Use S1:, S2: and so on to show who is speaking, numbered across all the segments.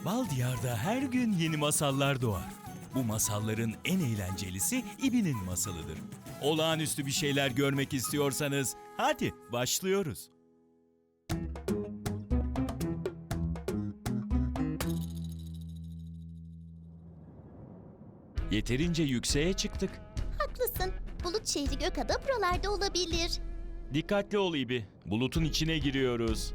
S1: Bal Diyar'da her gün yeni masallar doğar. Bu masalların en eğlencelisi İbi'nin masalıdır. Olağanüstü bir şeyler görmek istiyorsanız hadi başlıyoruz. Yeterince yükseğe çıktık.
S2: Haklısın. Bulut şehri Gökada buralarda olabilir.
S1: Dikkatli ol İbi. Bulutun içine giriyoruz.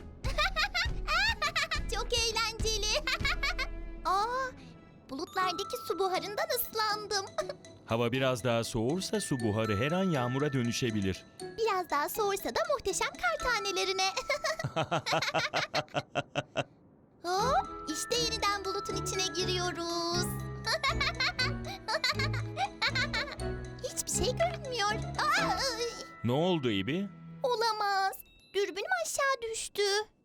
S2: Çok eğlenceli. Aa, bulutlardaki su buharından ıslandım.
S1: Hava biraz daha soğursa su buharı her an yağmura dönüşebilir.
S2: Biraz daha soğursa da muhteşem kar tanelerine. Hop, işte yeniden bulutun içine giriyoruz. Hiçbir şey görünmüyor. Aa,
S1: Ne oldu İbi?
S2: olamaz. Dürbünüm aşağı düştü.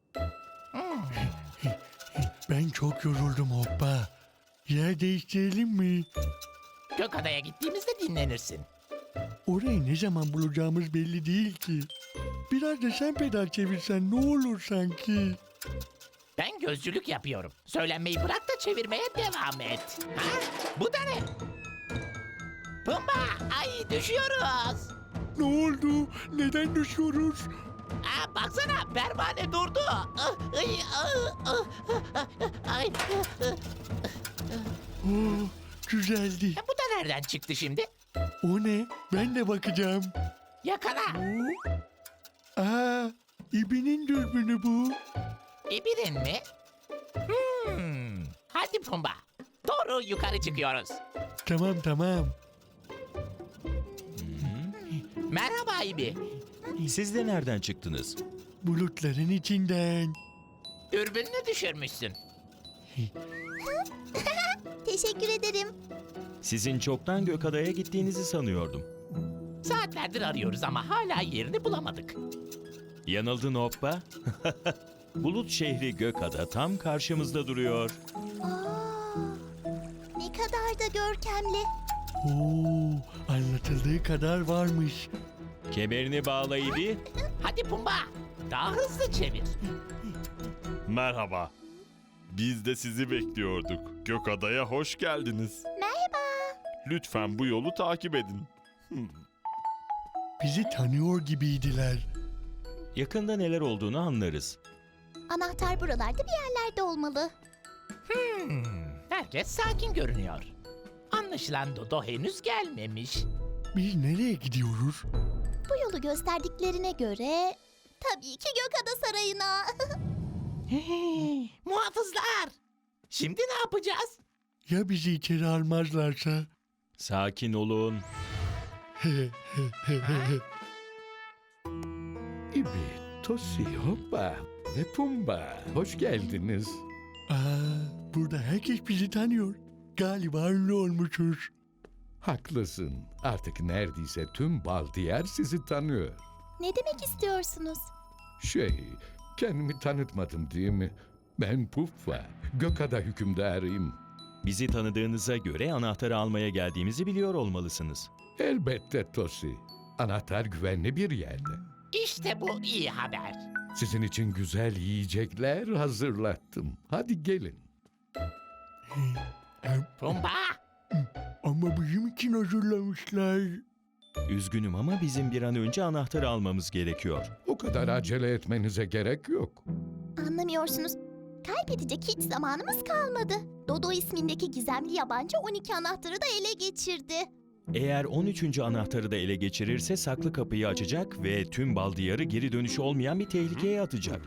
S3: Ben çok yoruldum hoppa. Yer değiştirelim mi?
S4: Gökada'ya gittiğimizde dinlenirsin.
S3: Orayı ne zaman bulacağımız belli değil ki. Biraz da sen pedal çevirsen ne olur sanki.
S4: Ben gözcülük yapıyorum. Söylenmeyi bırak da çevirmeye devam et. Ha? Bu da ne? Pumba! Ay düşüyoruz.
S3: Ne oldu? Neden düşüyoruz?
S4: Aa, baksana pervane durdu. Ay.
S3: Oh, güzeldi.
S4: Bu da nereden çıktı şimdi?
S3: O ne? Ben de bakacağım.
S4: Yakala.
S3: Aa, İbi'nin dürbünü bu.
S4: İbirin mi? Hadi Pumba. Doğru yukarı çıkıyoruz.
S3: Tamam.
S4: Merhaba İbi.
S1: Siz de nereden çıktınız?
S3: Bulutların içinden.
S4: Dürbününü düşürmüşsün.
S2: Teşekkür ederim.
S1: Sizin çoktan Gökada'ya gittiğinizi sanıyordum.
S4: Saatlerdir arıyoruz ama hala yerini bulamadık.
S1: Yanıldın hoppa. Bulut şehri Gökada tam karşımızda duruyor.
S2: Aa, ne kadar da görkemli.
S3: Oo, anlatıldığı kadar varmış.
S1: Kemerini bağla İbi.
S4: Hadi Pumba. Daha hızlı çevir.
S5: Merhaba. Biz de sizi bekliyorduk. Gökada'ya hoş geldiniz.
S2: Merhaba.
S5: Lütfen bu yolu takip edin.
S3: Bizi tanıyor gibiydiler.
S1: Yakında neler olduğunu anlarız.
S2: Anahtar buralarda bir yerlerde olmalı.
S4: Herkes sakin görünüyor. Anlaşılan Dodo henüz gelmemiş.
S3: Biz nereye gidiyoruz?
S2: Bu yolu gösterdiklerine göre tabii ki Gökada Sarayı'na.
S4: Muhafızlar! Şimdi ne yapacağız?
S3: Ya bizi içeri almazlarsa?
S1: Sakin olun.
S6: İbi, Tosi, Hoppa ve Pumba. Hoş geldiniz.
S3: Aa, burada herkes bizi tanıyor. Galiba ünlü olmuşuz.
S6: Haklısın. Artık neredeyse tüm Baldiyar sizi tanıyor.
S2: Ne demek istiyorsunuz?
S6: Kendimi tanıtmadım değil mi? Ben Puffa, Gökada hükümdarıyım.
S1: Bizi tanıdığınıza göre anahtarı almaya geldiğimizi biliyor olmalısınız.
S6: Elbette Tosi. Anahtar güvenli bir yerde.
S4: İşte bu iyi haber.
S6: Sizin için güzel yiyecekler hazırlattım. Hadi gelin.
S4: Pumba!
S3: Ama bizim için hazırlamışlar.
S1: Üzgünüm ama bizim bir an önce anahtarı almamız gerekiyor.
S6: O kadar acele etmenize gerek yok.
S2: Anlamıyorsunuz. Kaybedecek hiç zamanımız kalmadı. Dodo ismindeki gizemli yabancı 12 anahtarı da ele geçirdi.
S1: Eğer 13. anahtarı da ele geçirirse saklı kapıyı açacak ve tüm Bal Diyarı geri dönüşü olmayan bir tehlikeye atacak.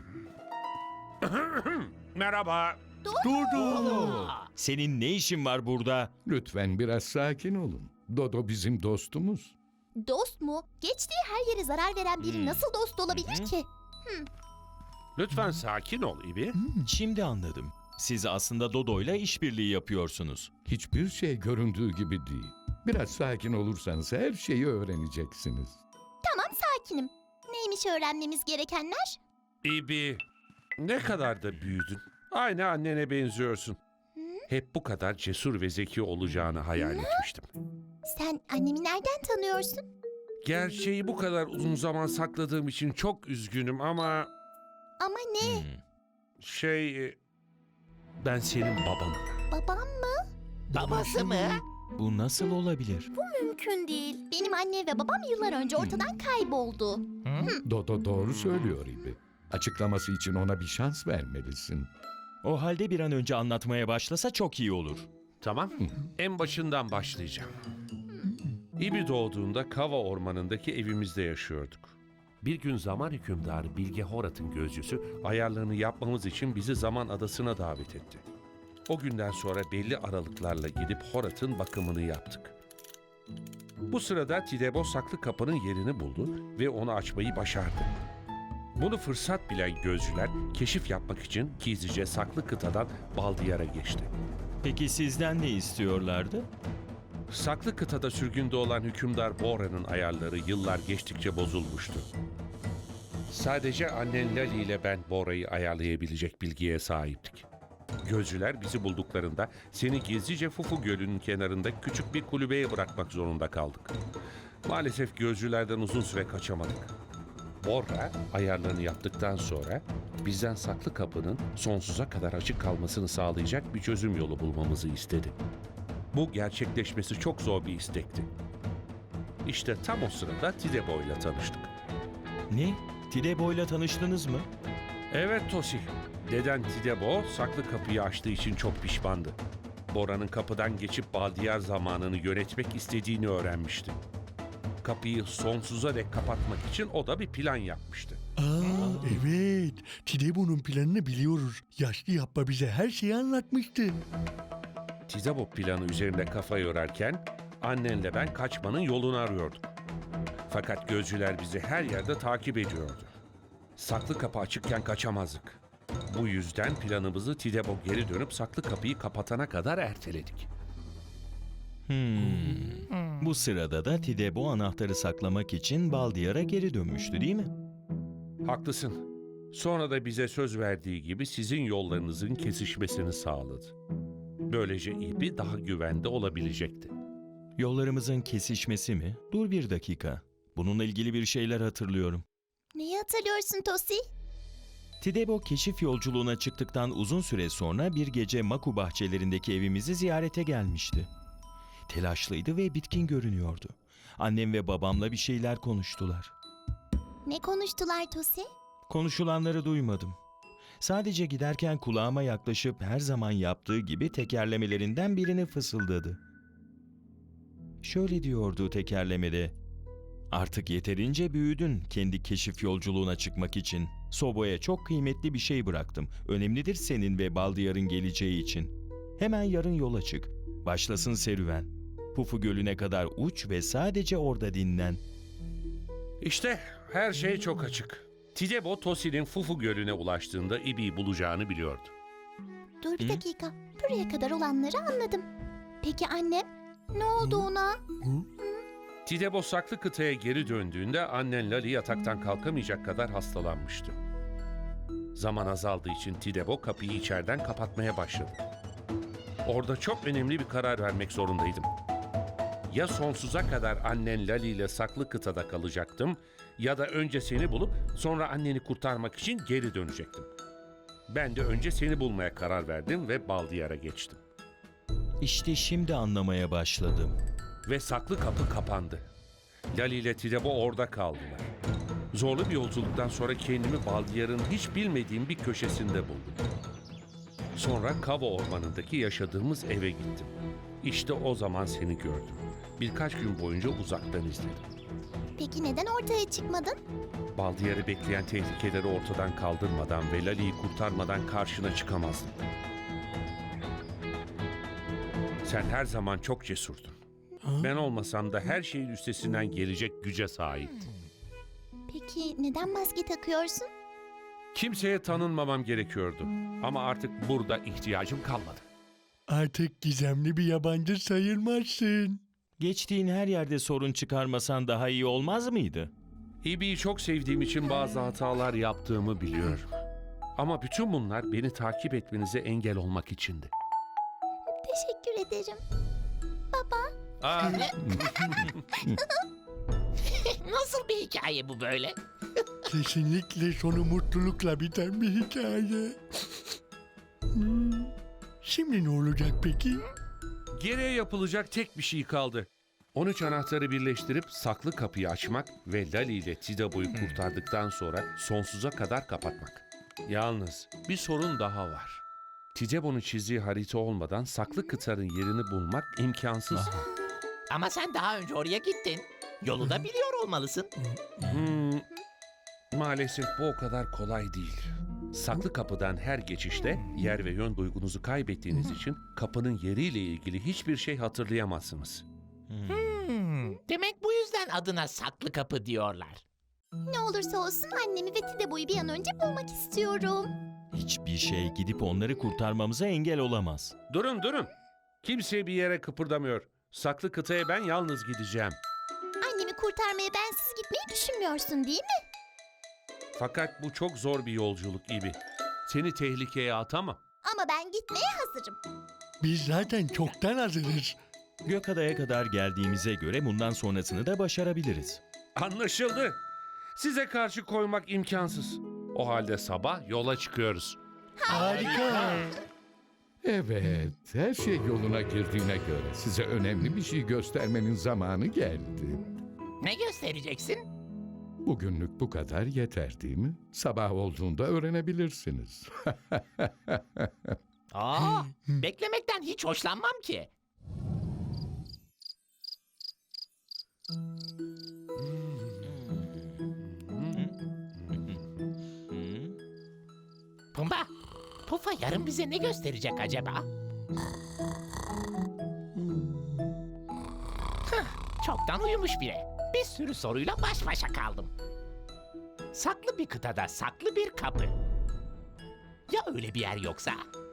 S7: Merhaba.
S3: Dodo.
S1: Senin ne işin var burada?
S6: Lütfen biraz sakin olun. Dodo bizim dostumuz.
S2: Dost mu? Geçtiği her yere zarar veren biri nasıl dost olabilir ki?
S7: Lütfen sakin ol İbi.
S1: Şimdi anladım. Siz aslında Dodo'yla işbirliği yapıyorsunuz.
S6: Hiçbir şey göründüğü gibi değil. Biraz sakin olursanız her şeyi öğreneceksiniz.
S2: Tamam, sakinim. Neymiş öğrenmemiz gerekenler?
S7: İbi, ne kadar da büyüdün. Aynı annene benziyorsun. Hep bu kadar cesur ve zeki olacağını hayal etmiştim.
S2: Sen annemi nereden tanıyorsun?
S7: Gerçeği bu kadar uzun zaman sakladığım için çok üzgünüm ama
S2: Ama ne?
S7: Ben senin babanım.
S2: Babam mı?
S4: Babası mı?
S1: Bu nasıl olabilir?
S2: Mümkün değil. Benim anne ve babam yıllar önce ortadan kayboldu.
S6: Dodo doğru söylüyor İbi. Açıklaması için ona bir şans vermelisin.
S1: O halde bir an önce anlatmaya başlasa çok iyi olur.
S7: Tamam. En başından başlayacağım. İbi doğduğunda Kava ormanındaki evimizde yaşıyorduk. Bir gün zaman hükümdarı Bilge Horat'ın gözcüsü ayarlarını yapmamız için bizi Zaman Adası'na davet etti. O günden sonra belli aralıklarla gidip Horat'ın bakımını yaptık. Bu sırada Tidebo saklı kapının yerini buldu ve onu açmayı başardı. Bunu fırsat bilen gözcüler keşif yapmak için gizlice saklı kıtadan Baldiyar'a geçti.
S1: Peki sizden ne istiyorlardı?
S7: Saklı kıtada sürgünde olan hükümdar Bora'nın ayarları yıllar geçtikçe bozulmuştu. Sadece annen Lali ile ben Bora'yı ayarlayabilecek bilgiye sahiptik. Gözcüler bizi bulduklarında seni gizlice Fufu Gölü'nün kenarında küçük bir kulübeye bırakmak zorunda kaldık. Maalesef gözcülerden uzun süre kaçamadık. Bora ayarlarını yaptıktan sonra bizden saklı kapının sonsuza kadar açık kalmasını sağlayacak bir çözüm yolu bulmamızı istedi. Bu gerçekleşmesi çok zor bir istekti. İşte tam o sırada Tidebo ile tanıştık.
S1: Ne? Tidebo'yla tanıştınız mı?
S7: Evet Tosi, deden Tidebo saklı kapıyı açtığı için çok pişmandı. Bora'nın kapıdan geçip Baldiyar zamanını yönetmek istediğini öğrenmişti. Kapıyı sonsuza dek kapatmak için o da bir plan yapmıştı.
S3: Evet. Tidebo'nun planını biliyoruz. Yaşlı yapma bize her şeyi anlatmıştı.
S7: Tidebo planı üzerinde kafa yorarken annenle ben kaçmanın yolunu arıyorduk. Fakat gözcüler bizi her yerde takip ediyordu. Saklı kapı açıkken kaçamazdık. Bu yüzden planımızı Tidebo geri dönüp saklı kapıyı kapatana kadar erteledik.
S1: Bu sırada da Tidebo anahtarı saklamak için Baldiyar'a geri dönmüştü değil mi?
S7: Haklısın. Sonra da bize söz verdiği gibi sizin yollarınızın kesişmesini sağladı. Böylece İbi daha güvende olabilecekti.
S1: Yollarımızın kesişmesi mi? Dur bir dakika. Bununla ilgili bir şeyler hatırlıyorum.
S2: Neyi hatırlıyorsun Tosi?
S1: Tidebo keşif yolculuğuna çıktıktan uzun süre sonra bir gece Maku bahçelerindeki evimizi ziyarete gelmişti. Telaşlıydı ve bitkin görünüyordu. Annem ve babamla bir şeyler konuştular.
S2: Ne konuştular Tosi?
S1: Konuşulanları duymadım. Sadece giderken kulağıma yaklaşıp her zaman yaptığı gibi tekerlemelerinden birini fısıldadı. Şöyle diyordu tekerlemede: "Artık yeterince büyüdün kendi keşif yolculuğuna çıkmak için. Sobo'ya çok kıymetli bir şey bıraktım. Önemlidir senin ve Baldiyar'ın geleceği için. Hemen yarın yola çık. Başlasın serüven. Pufu Gölü'ne kadar uç ve sadece orada dinlen."
S7: İşte her şey çok açık. Tidebo Tosi'nin Fufu Gölü'ne ulaştığında İbi'yi bulacağını biliyordu.
S2: Dur bir dakika. Buraya kadar olanları anladım. Peki annem? Ne oldu ona?
S7: Tidebo saklı kıtaya geri döndüğünde annen Lali yataktan kalkamayacak kadar hastalanmıştı. Zaman azaldığı için Tidebo kapıyı içeriden kapatmaya başladı. Orada çok önemli bir karar vermek zorundaydım. Ya sonsuza kadar annen Lali ile saklı kıtada kalacaktım ya da önce seni bulup sonra anneni kurtarmak için geri dönecektim. Ben de önce seni bulmaya karar verdim ve Baldiyar'a geçtim.
S1: İşte şimdi anlamaya başladım.
S7: Ve saklı kapı kapandı. Lali ile Tidebo orada kaldılar. Zorlu bir yolculuktan sonra kendimi Baldiyar'ın hiç bilmediğim bir köşesinde buldum. Sonra Kava ormanındaki yaşadığımız eve gittim. İşte o zaman seni gördüm. Birkaç gün boyunca uzaktan izledim.
S2: Peki neden ortaya çıkmadın?
S7: Baldiyar'ı bekleyen tehlikeleri ortadan kaldırmadan ve Lali'yi kurtarmadan karşına çıkamazdım. Sen her zaman çok cesurdun. Ben olmasam da her şeyin üstesinden gelecek güce sahiptin.
S2: Peki neden maske takıyorsun?
S7: Kimseye tanınmamam gerekiyordu. Ama artık burada ihtiyacım kalmadı.
S3: Artık gizemli bir yabancı sayılmazsın.
S1: Geçtiğin her yerde sorun çıkarmasan daha iyi olmaz mıydı?
S7: İbi'yi çok sevdiğim için bazı hatalar yaptığımı biliyorum. Ama bütün bunlar beni takip etmenize engel olmak içindi.
S2: Teşekkür ederim. Baba,
S4: Nasıl bir hikaye bu böyle?
S3: Kesinlikle sonu mutlulukla biten bir hikaye. Şimdi ne olacak peki?
S7: Geriye yapılacak tek bir şey kaldı. 13 anahtarı birleştirip saklı kapıyı açmak ve Lali ile Tidebo'yu kurtardıktan sonra sonsuza kadar kapatmak. Yalnız bir sorun daha var. Tidebo'nun çizdiği harita olmadan saklı kıtanın yerini bulmak imkansız.
S4: Ama sen daha önce oraya gittin. Yolu da biliyor olmalısın.
S7: Maalesef bu o kadar kolay değil. Saklı kapıdan her geçişte yer ve yön duygunuzu kaybettiğiniz için kapının yeriyle ilgili hiçbir şey hatırlayamazsınız.
S4: Demek bu yüzden adına saklı kapı diyorlar.
S2: Ne olursa olsun annemi ve Tidebo'yu bir an önce bulmak istiyorum.
S1: Hiçbir şey gidip onları kurtarmamıza engel olamaz.
S7: Durun. Kimse bir yere kıpırdamıyor. Saklı kıtaya ben yalnız gideceğim.
S2: Annemi kurtarmaya bensiz gitmeyi düşünmüyorsun değil mi?
S7: Fakat bu çok zor bir yolculuk gibi. Seni tehlikeye atamam.
S2: Ama ben gitmeye hazırım.
S3: Biz zaten çoktan hazırız.
S1: Gökada'ya kadar geldiğimize göre bundan sonrasını da başarabiliriz.
S7: Anlaşıldı. Size karşı koymak imkansız. O halde sabah yola çıkıyoruz.
S3: Harika.
S6: Evet, her şey yoluna girdiğine göre size önemli bir şey göstermenin zamanı geldi.
S4: Ne göstereceksin?
S6: Bugünlük bu kadar yeter değil mi? Sabah olduğunda öğrenebilirsiniz.
S4: Beklemekten hiç hoşlanmam ki. Pumba, Pufa yarın bize ne gösterecek acaba? Çoktan uyumuş bile. Bir sürü soruyla baş başa kaldım. Saklı bir kıtada saklı bir kapı. Ya öyle bir yer yoksa?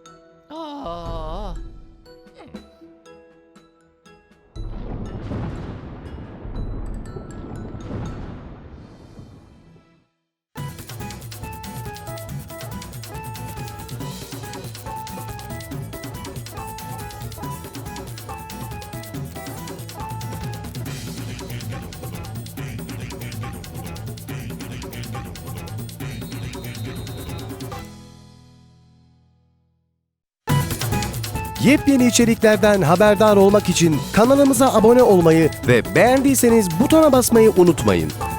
S8: Yepyeni içeriklerden haberdar olmak için kanalımıza abone olmayı ve beğendiyseniz butona basmayı unutmayın.